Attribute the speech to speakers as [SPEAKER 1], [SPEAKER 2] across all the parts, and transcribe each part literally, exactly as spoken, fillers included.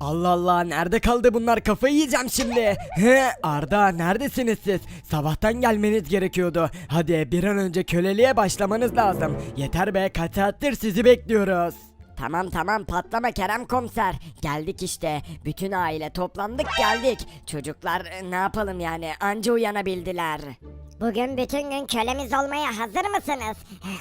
[SPEAKER 1] Allah Allah, nerede kaldı bunlar, kafayı yiyeceğim şimdi. He, Arda, neredesiniz siz? Sabahtan gelmeniz gerekiyordu. Hadi bir an önce köleliğe başlamanız lazım. Yeter be, kaç saattir sizi bekliyoruz.
[SPEAKER 2] Tamam tamam patlama Kerem komiser. Geldik işte. Bütün aile toplandık geldik. Çocuklar e, ne yapalım yani anca uyanabildiler.
[SPEAKER 3] Bugün bütün gün kölemiz olmaya hazır mısınız?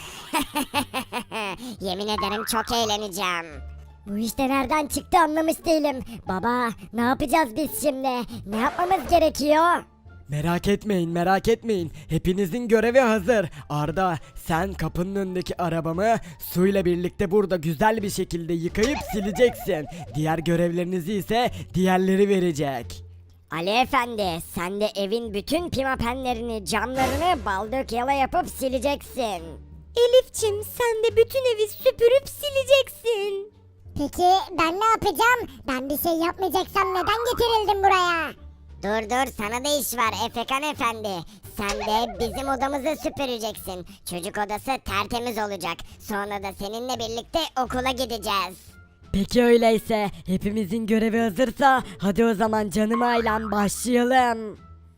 [SPEAKER 3] Yemin ederim çok eğleneceğim. Bu işte nereden çıktı anlamış değilim. Baba ne yapacağız biz şimdi? Ne yapmamız gerekiyor?
[SPEAKER 1] Merak etmeyin, merak etmeyin. Hepinizin görevi hazır. Arda, sen kapının önündeki arabamı suyla birlikte burada güzel bir şekilde yıkayıp sileceksin. Diğer görevlerinizi ise diğerleri verecek.
[SPEAKER 3] Ali efendi sen de evin bütün pimapenlerini camlarını baldık yala yapıp sileceksin.
[SPEAKER 4] Elifçim sen de bütün evi süpürüp sileceksin.
[SPEAKER 5] Peki ben ne yapacağım? Ben bir şey yapmayacaksam neden getirildim buraya?
[SPEAKER 3] Dur dur sana da iş var Efekan efendi. Sen de bizim odamızı süpüreceksin. Çocuk odası tertemiz olacak. Sonra da seninle birlikte okula gideceğiz.
[SPEAKER 2] Peki öyleyse hepimizin görevi hazırsa hadi o zaman canım ailem başlayalım.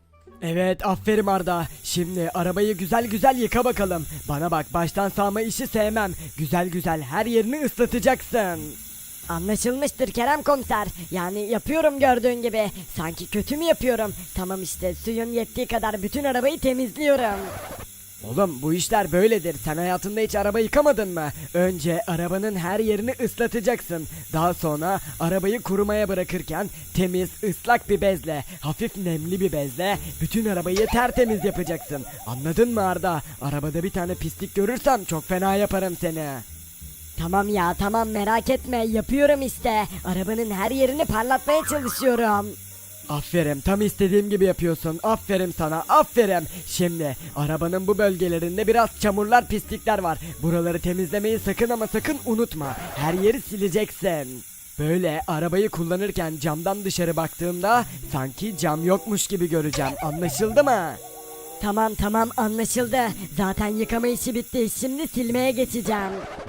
[SPEAKER 1] Evet, aferin Arda. Şimdi arabayı güzel güzel yıka bakalım. Bana bak, baştan sağma işi sevmem. Güzel güzel her yerini ıslatacaksın.
[SPEAKER 2] Anlaşılmıştır Kerem komiser. Yani yapıyorum gördüğün gibi. Sanki kötü mü yapıyorum? Tamam işte suyun yettiği kadar bütün arabayı temizliyorum.
[SPEAKER 1] Oğlum, bu işler böyledir. Sen hayatında hiç araba yıkamadın mı? Önce arabanın her yerini ıslatacaksın. Daha sonra arabayı kurumaya bırakırken temiz, ıslak bir bezle, hafif nemli bir bezle bütün arabayı tertemiz yapacaksın. Anladın mı Arda? Arabada bir tane pislik görürsem çok fena yaparım seni.
[SPEAKER 2] Tamam ya tamam merak etme yapıyorum işte. Arabanın her yerini parlatmaya çalışıyorum.
[SPEAKER 1] Aferin, tam istediğim gibi yapıyorsun. Aferin sana, aferin. Şimdi arabanın bu bölgelerinde biraz çamurlar, pislikler var. Buraları temizlemeyi sakın ama sakın unutma. Her yeri sileceksin. Böyle arabayı kullanırken camdan dışarı baktığımda sanki cam yokmuş gibi göreceğim. Anlaşıldı mı?
[SPEAKER 2] Tamam tamam anlaşıldı. Zaten yıkama işi bitti. Şimdi silmeye geçeceğim.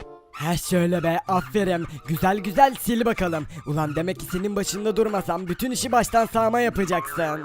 [SPEAKER 1] He şöyle be, aferin. Güzel güzel sil bakalım. Ulan demek ki senin başında durmasam bütün işi baştan sağma yapacaksın.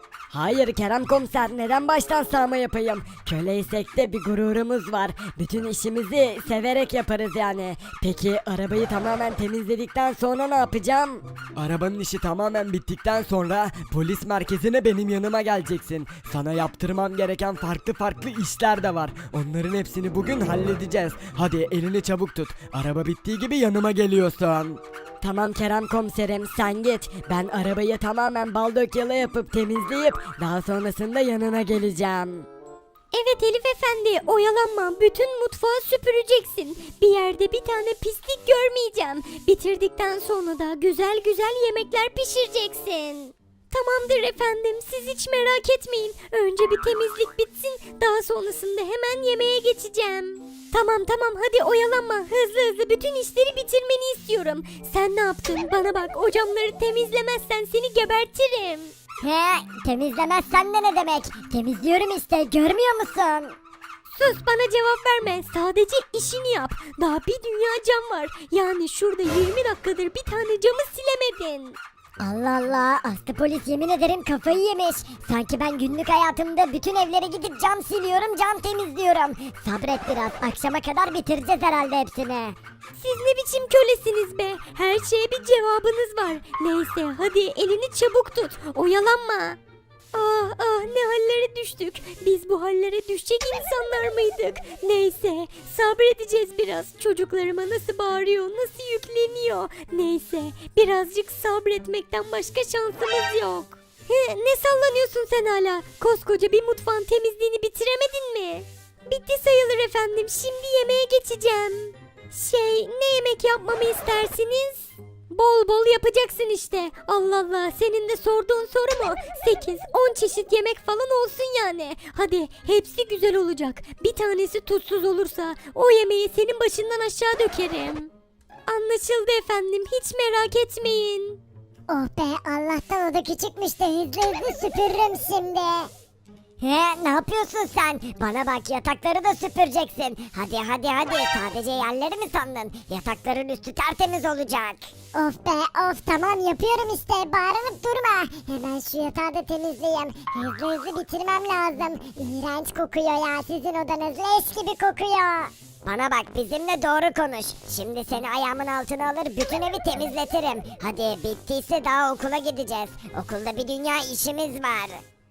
[SPEAKER 2] Hayır Kerem komiser neden baştan sağma yapayım? Köleysek de bir gururumuz var. Bütün işimizi severek yaparız yani. Peki arabayı tamamen temizledikten sonra ne yapacağım?
[SPEAKER 1] Arabanın işi tamamen bittikten sonra polis merkezine benim yanıma geleceksin. Sana yaptırmam gereken farklı farklı işler de var. Onların hepsini bugün halledeceğiz. Hadi elini çabuk tut. Araba bittiği gibi yanıma geliyorsun.
[SPEAKER 2] Tamam Kerem komiserim sen git. Ben arabayı tamamen bal dökyala yapıp temizleyip daha sonrasında yanına geleceğim.
[SPEAKER 4] Evet Elif efendi oyalanma bütün mutfağı süpüreceksin. Bir yerde bir tane pislik görmeyeceğim. Bitirdikten sonra da güzel güzel yemekler pişireceksin. Tamamdır efendim siz hiç merak etmeyin. Önce bir temizlik bitsin daha sonrasında hemen yemeğe geçeceğim. Tamam tamam hadi oyalanma hızlı hızlı bütün işleri bitirmeni istiyorum. Sen ne yaptın bana bak o camları temizlemezsen seni gebertirim.
[SPEAKER 5] He, temizlemezsen de ne demek? Temizliyorum işte, görmüyor musun?
[SPEAKER 4] Sus bana cevap verme sadece işini yap. Daha bir dünya cam var. Yani şurada yirmi dakikadır bir tane camı silemedin.
[SPEAKER 5] Allah Allah, Aslı polis yemin ederim kafayı yemiş. Sanki ben günlük hayatımda bütün evlere gidip cam siliyorum, cam temizliyorum. Sabret biraz, akşama kadar bitireceğiz herhalde hepsini.
[SPEAKER 4] Siz ne biçim kölesiniz be? Her şeye bir cevabınız var. Neyse hadi elini çabuk tut. Oyalanma. Ah ah ne hallere düştük. Biz bu hallere düşecek insanlar mıydık? Neyse sabredeceğiz biraz. Çocuklarıma nasıl bağırıyor, nasıl yükleniyor. Neyse birazcık sabretmekten başka şansımız yok. He, ne sallanıyorsun sen hala? Koskoca bir mutfağın temizliğini bitiremedin mi? Bitti sayılır efendim. Şimdi yemeğe geçeceğim. Şey ne yemek yapmamı istersiniz? Bol bol yapacaksın işte. Allah Allah senin de sorduğun soru mu? sekiz on çeşit yemek falan olsun yani. Hadi hepsi güzel olacak. Bir tanesi tuzsuz olursa o yemeği senin başından aşağı dökerim. Anlaşıldı efendim hiç merak etmeyin.
[SPEAKER 5] Oh be, Allah'tan o da küçükmüş de hızlı hızlı süpürürüm şimdi. He, ne yapıyorsun sen? Bana bak, yatakları da süpüreceksin. Hadi hadi hadi, sadece yerleri mi sandın? Yatakların üstü tertemiz olacak. Of be of, tamam yapıyorum işte, bağırıp durma. Hemen şu yatağı da temizleyeyim. Hızlı hızlı bitirmem lazım. İğrenç kokuyor ya, sizin odanız leş gibi kokuyor.
[SPEAKER 3] Bana bak, bizimle doğru konuş. Şimdi seni ayağımın altına alır bütün evi temizletirim. Hadi bittiyse daha okula gideceğiz. Okulda bir dünya işimiz var.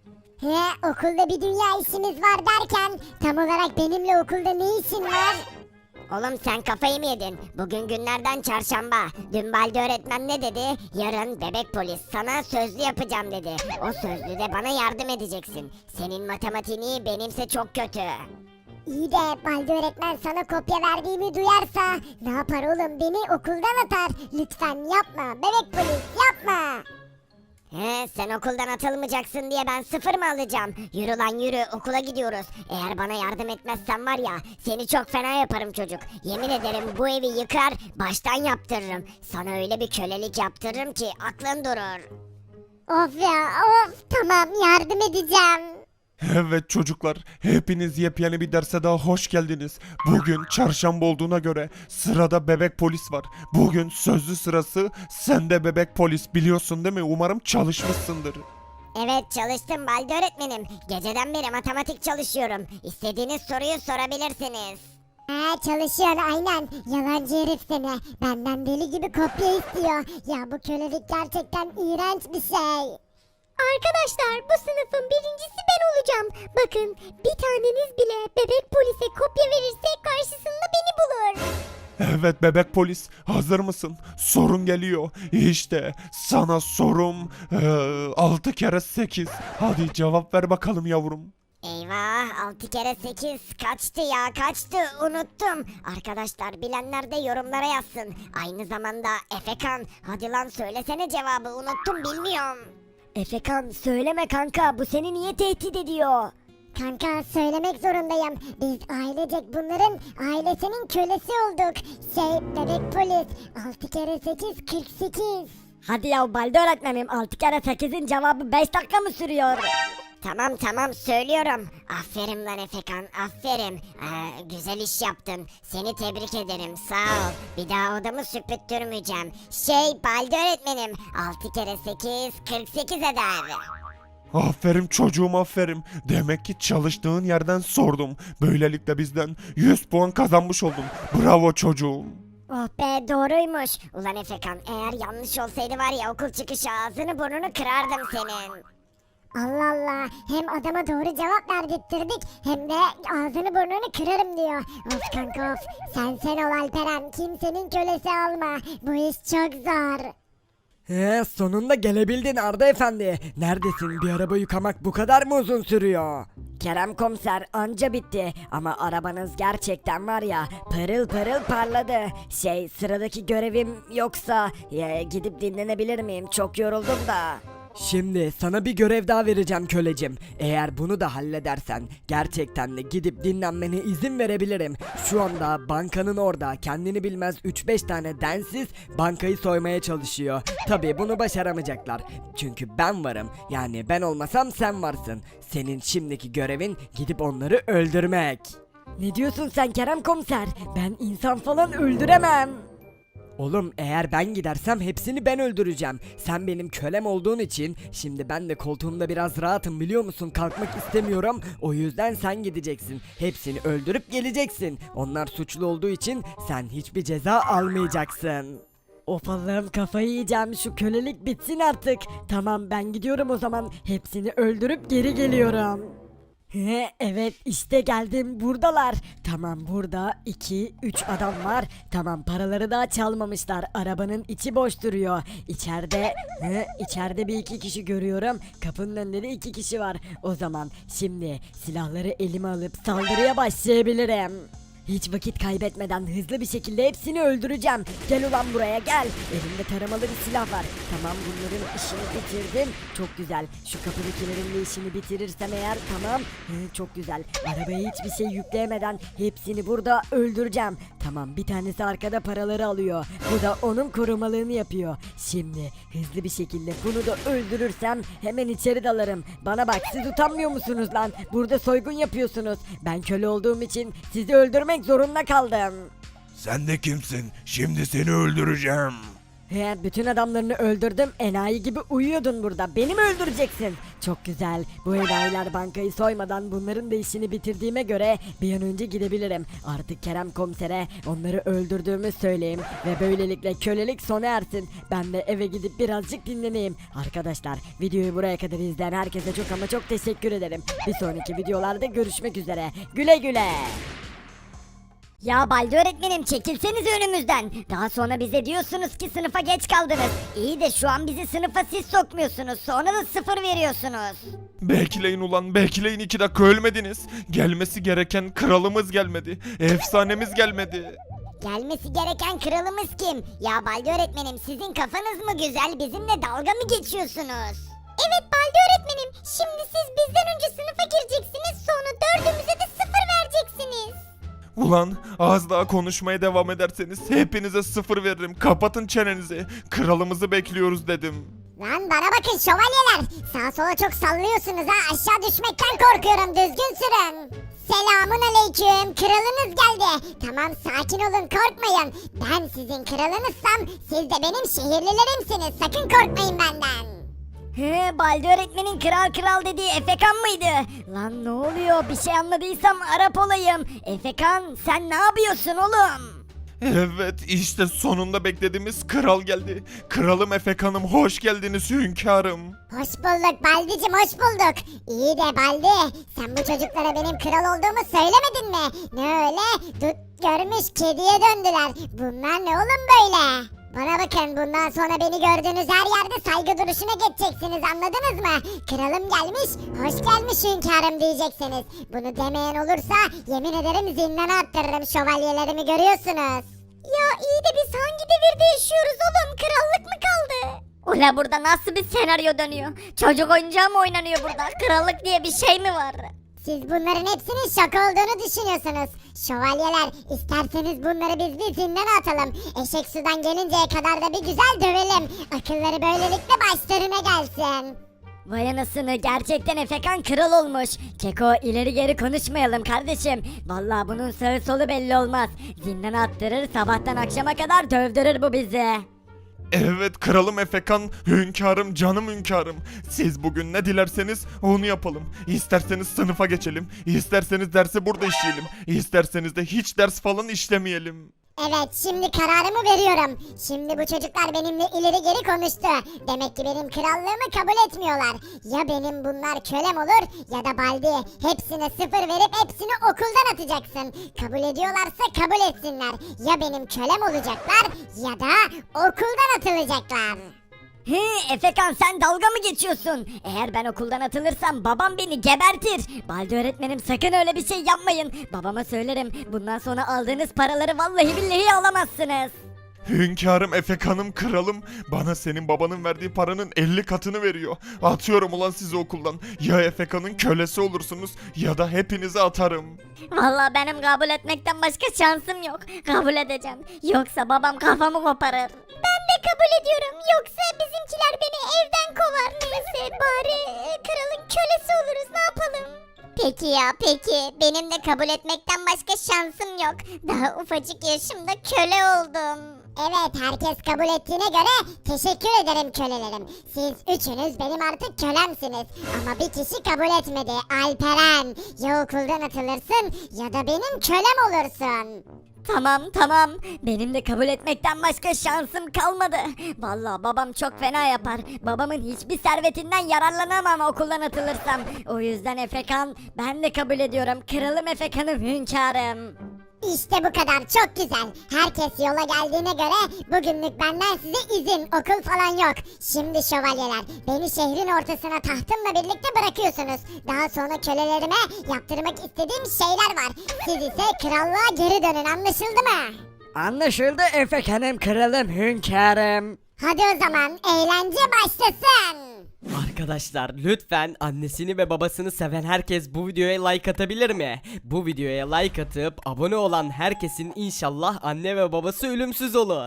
[SPEAKER 5] He, okulda bir dünya işimiz var derken tam olarak benimle okulda ne işin var?
[SPEAKER 3] Oğlum sen kafayı mı yedin? Bugün günlerden çarşamba. Dün Baldi öğretmen ne dedi? Yarın bebek polis sana sözlü yapacağım dedi. O sözlüde bana yardım edeceksin. Senin matematiğini benimse çok kötü.
[SPEAKER 5] İyi de Baldi öğretmen sana kopya verdiğimi duyarsa ne yapar oğlum, beni okuldan atar. Lütfen yapma bebek polis, yapma.
[SPEAKER 3] He, sen okuldan atılmayacaksın diye ben sıfır mı alacağım? Yürü lan yürü, okula gidiyoruz. Eğer bana yardım etmezsen var ya, seni çok fena yaparım çocuk. Yemin ederim bu evi yıkar, baştan yaptırırım. Sana öyle bir kölelik yaptırırım ki aklın durur.
[SPEAKER 5] Of ya of, tamam yardım edeceğim.
[SPEAKER 6] Evet çocuklar, hepiniz yepyeni bir derse daha hoş geldiniz. Bugün çarşamba olduğuna göre sırada bebek polis var. Bugün sözlü sırası, sen de bebek polis, biliyorsun değil mi? Umarım çalışmışsındır.
[SPEAKER 3] Evet çalıştım Baldi öğretmenim. Geceden beri matematik çalışıyorum. İstediğiniz soruyu sorabilirsiniz.
[SPEAKER 5] He, çalışıyor aynen, yalancı herif seni. Benden deli gibi kopya istiyor. Ya bu kölelik gerçekten iğrenç bir şey.
[SPEAKER 4] Arkadaşlar, bu sınıfın birincisi ben olacağım. Bakın, bir taneniz bile bebek polise kopya verirse karşısında beni bulur.
[SPEAKER 6] Evet bebek polis, hazır mısın? Sorun geliyor. İşte sana sorum altı kere sekiz. Hadi cevap ver bakalım yavrum.
[SPEAKER 3] Eyvah, altı kere sekiz kaçtı ya, kaçtı, unuttum. Arkadaşlar bilenler de yorumlara yazsın. Aynı zamanda Efekan, hadi lan söylesene cevabı, unuttum, bilmiyorum.
[SPEAKER 2] Efekan söyleme kanka, bu seni niye tehdit ediyor?
[SPEAKER 5] Kanka söylemek zorundayım. Biz ailecek bunların ailesinin kölesi olduk. Şey bebek polis, altı kere sekiz kırk sekiz.
[SPEAKER 2] Hadi ya Baldi öğretmenim, altı kere sekizin cevabı beş dakika mı sürüyor?
[SPEAKER 3] Tamam tamam söylüyorum. Aferin lan Efekan, aferin. Ee, güzel iş yaptın. Seni tebrik ederim, sağ ol. Bir daha odamı süpürttürmeyeceğim. Şey Baldi öğretmenim, altı kere sekiz kırk sekiz eder.
[SPEAKER 6] Aferin çocuğum, aferin. Demek ki çalıştığın yerden sordum. Böylelikle bizden yüz puan kazanmış oldun. Bravo çocuğum.
[SPEAKER 3] Oh be, doğruymuş. Ulan Efekan, eğer yanlış olsaydı var ya, okul çıkışı ağzını burnunu kırardım senin.
[SPEAKER 5] Allah Allah, hem adama doğru cevap verdirttirdik hem de ağzını burnunu kırarım diyor. Of kanka of, sen sen ol Alperen, kimsenin kölesi olma. Bu iş çok zor.
[SPEAKER 1] He, sonunda gelebildin Arda Efendi. Neredesin? Bir araba yıkamak bu kadar mı uzun sürüyor? Kerem komiser, anca bitti ama arabanız gerçekten var ya, pırıl pırıl parladı. Şey, sıradaki görevim yoksa ya, gidip dinlenebilir miyim? Çok yoruldum da. Şimdi sana bir görev daha vereceğim kölecim. Eğer bunu da halledersen gerçekten de gidip dinlenmene izin verebilirim. Şu anda bankanın orada kendini bilmez üç beş tane densiz bankayı soymaya çalışıyor. Tabii bunu başaramayacaklar. Çünkü ben varım. Yani ben olmasam sen varsın. Senin şimdiki görevin gidip onları öldürmek. Ne diyorsun sen Kerem komiser? Ben insan falan öldüremem. Oğlum, eğer ben gidersem hepsini ben öldüreceğim. Sen benim kölem olduğun için şimdi ben de koltuğumda biraz rahatım, biliyor musun? Kalkmak istemiyorum. O yüzden sen gideceksin. Hepsini öldürüp geleceksin. Onlar suçlu olduğu için sen hiçbir ceza almayacaksın. Of Allah'ım, kafayı yiyeceğim, şu kölelik bitsin artık. Tamam, ben gidiyorum o zaman. Hepsini öldürüp geri geliyorum. He, evet işte geldim, buradalar. Tamam, burada iki üç adam var. Tamam, paraları daha çalmamışlar. Arabanın içi boş duruyor. İçeride he, içeride bir iki kişi görüyorum. Kapının önünde de iki kişi var. O zaman şimdi silahları elime alıp saldırıya başlayabilirim. Hiç vakit kaybetmeden hızlı bir şekilde hepsini öldüreceğim. Gel ulan buraya gel. Elimde taramalı bir silah var. Tamam, bunların işini bitirdim. Çok güzel. Şu kapıdakilerin de işini bitirirsem eğer tamam. Hı, çok güzel. Arabaya hiçbir şey yükleyemeden hepsini burada öldüreceğim.
[SPEAKER 2] Tamam, bir tanesi arkada paraları alıyor. Bu da onun korumalığını yapıyor. Şimdi hızlı bir şekilde bunu da öldürürsem hemen içeri dalarım. Bana bak, siz utanmıyor musunuz lan? Burada soygun yapıyorsunuz. Ben köle olduğum için sizi öldürmek zorunda kaldım.
[SPEAKER 6] Sen de kimsin? Şimdi seni öldüreceğim.
[SPEAKER 2] He, bütün adamlarını öldürdüm. Enayi gibi uyuyordun burada. Beni mi öldüreceksin? Çok güzel. Bu enayiler bankayı soymadan bunların da işini bitirdiğime göre bir an önce gidebilirim. Artık Kerem komisere onları öldürdüğümü söyleyeyim ve böylelikle kölelik sona ersin. Ben de eve gidip birazcık dinleneyim. Arkadaşlar, videoyu buraya kadar izleyen herkese çok ama çok teşekkür ederim. Bir sonraki videolarda görüşmek üzere. Güle güle.
[SPEAKER 3] Ya Baldi öğretmenim, çekilseniz önümüzden. Daha sonra bize diyorsunuz ki sınıfa geç kaldınız. İyi de şu an bizi sınıfa siz sokmuyorsunuz. Sonra da sıfır veriyorsunuz.
[SPEAKER 6] Bekleyin ulan, bekleyin, iki dakika ölmediniz. Gelmesi gereken kralımız gelmedi. Efsanemiz gelmedi.
[SPEAKER 3] Gelmesi gereken kralımız kim? Ya Baldi öğretmenim, sizin kafanız mı güzel, bizimle dalga mı geçiyorsunuz? Evet Baldi öğretmenim, şimdi siz bizden önce sınıfa gireceksiniz, sonra dördümüze de sıfır vereceksiniz.
[SPEAKER 6] Ulan az daha konuşmaya devam ederseniz hepinize sıfır veririm. Kapatın çenenizi. Kralımızı bekliyoruz dedim.
[SPEAKER 5] Lan bana bakın şövalyeler. Sağa sola çok sallıyorsunuz ha. Aşağı düşmekten korkuyorum. Düzgün sürün. Selamun aleyküm. Kralınız geldi. Tamam, sakin olun, korkmayın. Ben sizin kralınızsam siz de benim şehirlilerimsiniz. Sakın korkmayın benden.
[SPEAKER 3] He, Baldi öğretmenin kral kral dediği Efekan mıydı? Lan ne oluyor? Bir şey anladıysam Arap olayım. Efekan, sen ne yapıyorsun oğlum?
[SPEAKER 6] Evet, işte sonunda beklediğimiz kral geldi. Kralım Efekan'ım, hoş geldiniz hünkârım.
[SPEAKER 5] Hoş bulduk Baldi'cim, hoş bulduk. İyi de Baldi, sen bu çocuklara benim kral olduğumu söylemedin mi? Ne öyle? Dut görmüş kediye döndüler. Bunlar ne oğlum böyle? Bana bakın, bundan sonra beni gördüğünüz her yerde saygı duruşuna geçeceksiniz, anladınız mı? Kralım gelmiş, hoş gelmiş hünkârım diyeceksiniz. Bunu demeyen olursa yemin ederim zindana attırırım, şövalyelerimi görüyorsunuz.
[SPEAKER 3] Ya iyi de biz hangi devirde yaşıyoruz oğlum? Krallık mı kaldı? Ula burada nasıl bir senaryo dönüyor? Çocuk oyuncağı mı oynanıyor burada? Krallık diye bir şey mi var?
[SPEAKER 5] Siz bunların hepsinin şaka olduğunu düşünüyorsunuz. Şövalyeler, isterseniz bunları biz bir zindana atalım. Eşek sudan gelinceye kadar da bir güzel dövelim. Akılları böylelikle başlarına gelsin.
[SPEAKER 3] Vay anasını, gerçekten Efekan kral olmuş. Keko, ileri geri konuşmayalım kardeşim. Vallahi bunun sağı solu belli olmaz. Zindana attırır, sabahtan akşama kadar dövdürür bu bizi.
[SPEAKER 6] Evet kralım Efekan, hünkârım, canım hünkârım. Siz bugün ne dilerseniz onu yapalım. İsterseniz sınıfa geçelim, isterseniz dersi burada işleyelim, isterseniz de hiç ders falan işlemeyelim.
[SPEAKER 5] Evet, şimdi kararımı veriyorum. Şimdi bu çocuklar benimle ileri geri konuştu. Demek ki benim krallığımı kabul etmiyorlar. Ya benim bunlar kölem olur ya da Baldi. Hepsine sıfır verip hepsini okuldan atacaksın. Kabul ediyorlarsa kabul etsinler. Ya benim kölem olacaklar ya da okuldan atılacaklar.
[SPEAKER 3] He, Efekan, sen dalga mı geçiyorsun? Eğer ben okuldan atılırsam babam beni gebertir. Baldi öğretmenim, sakın öyle bir şey yapmayın. Babama söylerim. Bundan sonra aldığınız paraları vallahi billahi alamazsınız.
[SPEAKER 6] Hünkârım, Efekan'ım, kralım, bana senin babanın verdiği paranın elli katını veriyor. Atıyorum ulan sizi okuldan. Ya Efekan'ın kölesi olursunuz ya da hepinizi atarım.
[SPEAKER 3] Vallahi benim kabul etmekten başka şansım yok. Kabul edeceğim. Yoksa babam kafamı koparır. Ben de kabul ediyorum. Yoksa bizimkiler beni evden kovar. Neyse, bari kralın kölesi oluruz. Ne yapalım? Peki ya, peki. Benim de kabul etmekten başka şansım yok. Daha ufacık yaşımda köle oldum.
[SPEAKER 5] Evet, herkes kabul ettiğine göre teşekkür ederim kölelerim. Siz üçünüz benim artık kölemsiniz. Ama bir kişi kabul etmedi. Alperen. Ya okuldan atılırsın ya da benim kölem olursun.
[SPEAKER 3] Tamam tamam, benim de kabul etmekten başka şansım kalmadı. Vallahi babam çok fena yapar. Babamın hiçbir servetinden yararlanamam okuldan atılırsam. O yüzden Efekan, ben de kabul ediyorum. Kralım Efekan'ım, hünkârım.
[SPEAKER 5] İşte bu kadar, çok güzel. Herkes yola geldiğine göre bugünlük benden size izin, okul falan yok. Şimdi şövalyeler, beni şehrin ortasına tahtımla birlikte bırakıyorsunuz. Daha sonra kölelerime yaptırmak istediğim şeyler var. Siz ise krallığa geri dönün, anlaşıldı mı?
[SPEAKER 1] Anlaşıldı Efekan'ım, kralım, hünkârım.
[SPEAKER 5] Hadi o zaman eğlence başlasın.
[SPEAKER 7] Arkadaşlar lütfen annesini ve babasını seven herkes bu videoya like atabilir mi? Bu videoya like atıp abone olan herkesin inşallah anne ve babası ölümsüz olur.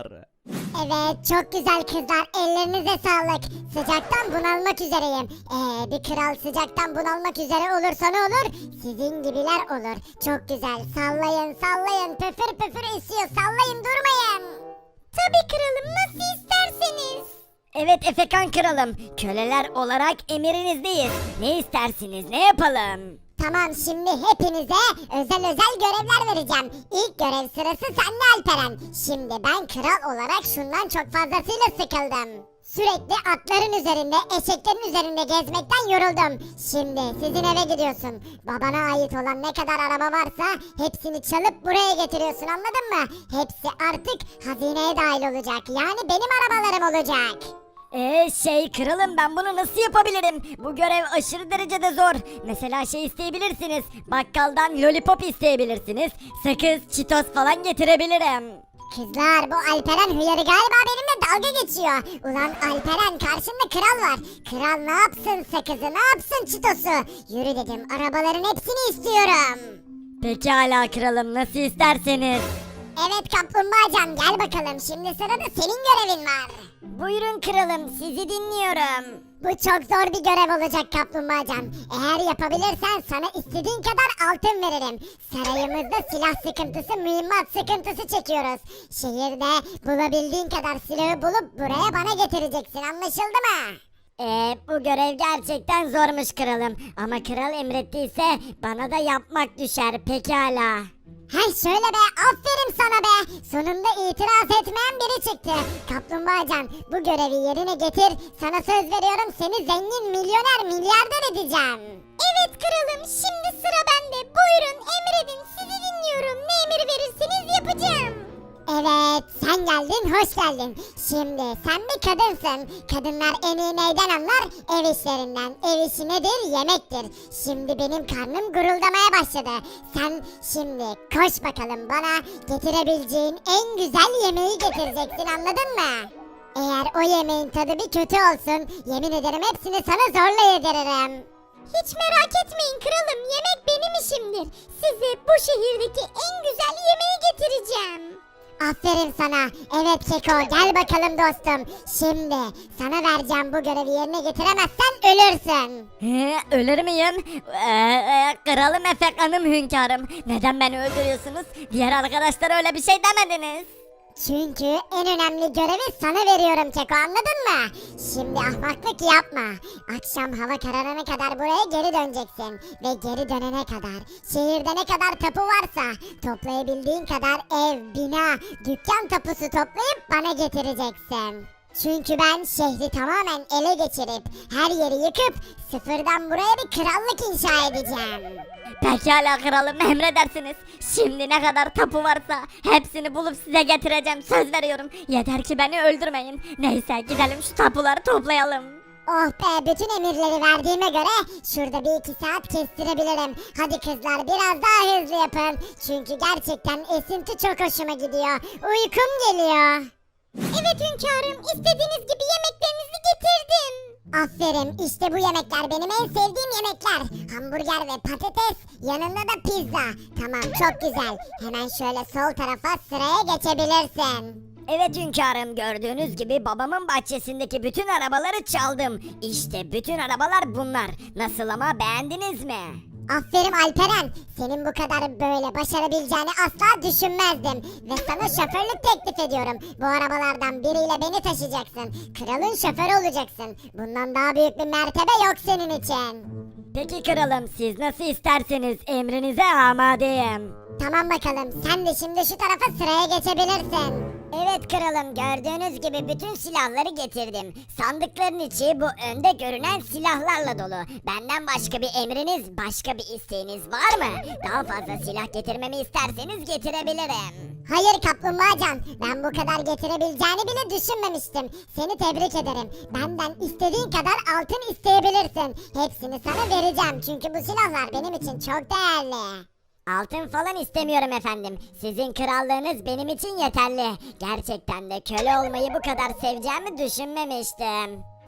[SPEAKER 5] Evet çok güzel kızlar, ellerinize sağlık. Sıcaktan bunalmak üzereyim. Ee, bir kral sıcaktan bunalmak üzere olursa ne olur? Sizin gibiler olur. Çok güzel, sallayın sallayın, püfür püfür esiyor, sallayın durmayın.
[SPEAKER 3] Tabii kralım, nasıl isterseniz. Evet Efekan kralım, köleler olarak emirinizdeyiz. Ne istersiniz, ne yapalım?
[SPEAKER 5] Tamam, şimdi hepinize özel özel görevler vereceğim. İlk görev sırası sende Alperen. Şimdi ben kral olarak şundan çok fazlasıyla sıkıldım. Sürekli atların üzerinde, eşeklerin üzerinde gezmekten yoruldum. Şimdi sizin eve gidiyorsun. Babana ait olan ne kadar araba varsa hepsini çalıp buraya getiriyorsun, anladın mı? Hepsi artık hazineye dahil olacak. Yani benim arabalarım olacak.
[SPEAKER 3] Ee şey kralım, ben bunu nasıl yapabilirim? Bu görev aşırı derecede zor. Mesela şey isteyebilirsiniz. Bakkaldan lollipop isteyebilirsiniz. Sakız, çitos falan getirebilirim.
[SPEAKER 5] Kızlar, bu Alperen hıyarı galiba benimle dalga geçiyor. Ulan Alperen, karşında kral var. Kral ne yapsın sakızı, ne yapsın çitosu? Yürü dedim, arabaların hepsini istiyorum.
[SPEAKER 3] Pekala kralım, nasıl isterseniz.
[SPEAKER 5] Evet kaplumbağacan, gel bakalım, şimdi sırada senin görevin var.
[SPEAKER 3] Buyurun kralım, sizi dinliyorum.
[SPEAKER 5] Bu çok zor bir görev olacak kaplumbağacan. Eğer yapabilirsen sana istediğin kadar altın veririm. Sarayımızda silah sıkıntısı, mühimmat sıkıntısı çekiyoruz. Şehirde bulabildiğin kadar silahı bulup buraya bana getireceksin, anlaşıldı mı?
[SPEAKER 3] Ee, bu görev gerçekten zormuş kralım. Ama kral emrettiyse bana da yapmak düşer, pekala.
[SPEAKER 5] Hay şöyle be, aferin sana be. Sonunda itiraz etmeyen biri çıktı. Kaplumbağacan, bu görevi yerine getir. Sana söz veriyorum, seni zengin, milyoner, milyarder edeceğim.
[SPEAKER 3] Evet kralım, şimdi sıra bende. Buyurun emredin, sizi dinliyorum. Ne emir verirseniz yapacağım.
[SPEAKER 5] Evet, sen geldin, hoş geldin. Şimdi sen bir kadınsın. Kadınlar en iyi neyden anlar? Ev işlerinden. Ev işi nedir? Yemektir. Şimdi benim karnım guruldamaya başladı. Sen şimdi koş bakalım, bana getirebileceğin en güzel yemeği getireceksin, anladın mı? Eğer o yemeğin tadı bir kötü olsun, yemin ederim hepsini sana zorla yediririm.
[SPEAKER 3] Hiç merak etmeyin kralım, yemek benim işimdir. Size bu şehirdeki en güzel yemeği getireceğim.
[SPEAKER 5] Aferin sana. Evet Keko, gel bakalım dostum. Şimdi sana vereceğim bu görevi yerine getiremezsen ölürsün.
[SPEAKER 3] He, ölür müyüm? Ee, e, kralım Efekan'ım hünkârım. Neden beni öldürüyorsunuz? Diğer arkadaşlar öyle bir şey demediniz.
[SPEAKER 5] Çünkü en önemli görevi sana veriyorum Keko, anladın mı? Şimdi ahmaklık yapma. Akşam hava kararana kadar buraya geri döneceksin. Ve geri dönene kadar şehirde ne kadar tapu varsa toplayabildiğin kadar ev, bina, dükkan tapusu toplayıp bana getireceksin. Çünkü ben şehri tamamen ele geçirip her yeri yıkıp sıfırdan buraya bir krallık inşa edeceğim.
[SPEAKER 3] Pekala kralım, emredersiniz. Şimdi ne kadar tapu varsa hepsini bulup size getireceğim, söz veriyorum. Yeter ki beni öldürmeyin. Neyse gidelim şu tapuları toplayalım.
[SPEAKER 5] Oh be, bütün emirleri verdiğime göre şurada bir iki saat kestirebilirim. Hadi kızlar, biraz daha hızlı yapın. Çünkü gerçekten esinti çok hoşuma gidiyor. Uykum geliyor.
[SPEAKER 3] Evet hünkârım, istediğiniz gibi yemeklerinizi getirdim.
[SPEAKER 5] Aferin, işte bu yemekler benim en sevdiğim yemekler. Hamburger ve patates, yanında da pizza. Tamam, çok güzel. Hemen şöyle sol tarafa sıraya geçebilirsin.
[SPEAKER 3] Evet hünkârım, gördüğünüz gibi babamın bahçesindeki bütün arabaları çaldım. İşte bütün arabalar bunlar. Nasıl ama, beğendiniz mi?
[SPEAKER 5] Aferin Alperen. Senin bu kadar böyle başarabileceğini asla düşünmezdim. Ve sana şoförlük teklif ediyorum. Bu arabalardan biriyle beni taşıyacaksın. Kralın şoförü olacaksın. Bundan daha büyük bir mertebe yok senin için.
[SPEAKER 3] Peki kralım, siz nasıl isterseniz, emrinize amadeyim.
[SPEAKER 5] Tamam bakalım, sen de şimdi şu tarafa sıraya geçebilirsin.
[SPEAKER 3] Evet kralım, gördüğünüz gibi bütün silahları getirdim. Sandıkların içi bu önde görünen silahlarla dolu. Benden başka bir emriniz, başka bir isteğiniz var mı? Daha fazla silah getirmemi isterseniz getirebilirim.
[SPEAKER 5] Hayır kaplumbağacan, ben bu kadar getirebileceğini bile düşünmemiştim. Seni tebrik ederim. Benden istediğin kadar altın isteyebilirsin. Hepsini sana vereceğim çünkü bu silahlar benim için çok değerli.
[SPEAKER 3] Altın falan istemiyorum efendim. Sizin krallığınız benim için yeterli. Gerçekten de köle olmayı bu kadar seveceğimi düşünmemiştim.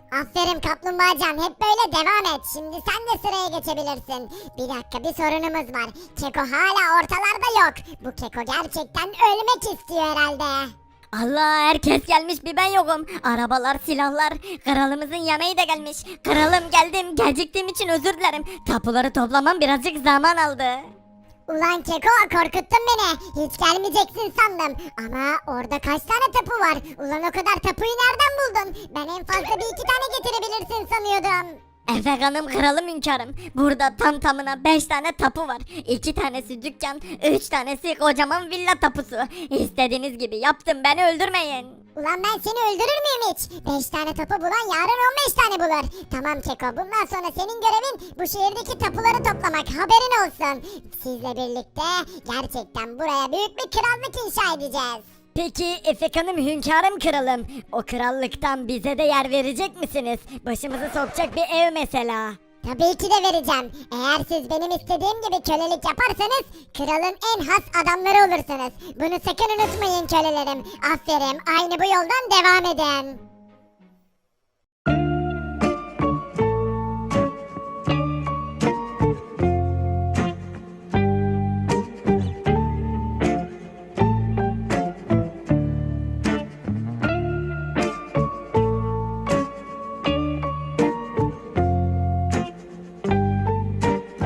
[SPEAKER 5] Aferin kaplumbağacan, hep böyle devam et. Şimdi sen de sıraya geçebilirsin. Bir dakika, bir sorunumuz var. Keko hala ortalarda yok. Bu Keko gerçekten ölmek istiyor herhalde.
[SPEAKER 4] Allah, herkes gelmiş, bir ben yokum. Arabalar, silahlar, kralımızın yemeği de gelmiş. Kralım, geldim, geciktiğim için özür dilerim. Tapuları toplamam birazcık zaman aldı.
[SPEAKER 5] Ulan Keko, korkuttun beni. Hiç gelmeyeceksin sandım. Ama orada kaç tane tapu var? Ulan o kadar tapuyu nereden buldun? Ben en fazla bir iki tane getirebilirsin sanıyordum.
[SPEAKER 4] Efekan'ım, kralım, hünkârım. Burada tam tamına beş tane tapu var. iki tanesi dükkan, üç tanesi kocaman villa tapusu. İstediğiniz gibi yaptım, beni öldürmeyin.
[SPEAKER 5] Ulan ben seni öldürür müyüm hiç? beş tane tapu bulan yarın on beş tane bulur. Tamam Keko, bundan sonra senin görevin bu şehirdeki tapuları toplamak, haberin olsun. Sizle birlikte gerçekten buraya büyük bir krallık inşa edeceğiz.
[SPEAKER 2] Peki Efekan'ım, hünkârım, kralım. O krallıktan bize de yer verecek misiniz? Başımızı sokacak bir ev mesela.
[SPEAKER 5] Tabii ki de vereceğim. Eğer siz benim istediğim gibi kölelik yaparsanız kralın en has adamları olursunuz. Bunu sakın unutmayın kölelerim. Aferin, aynı bu yoldan devam edin.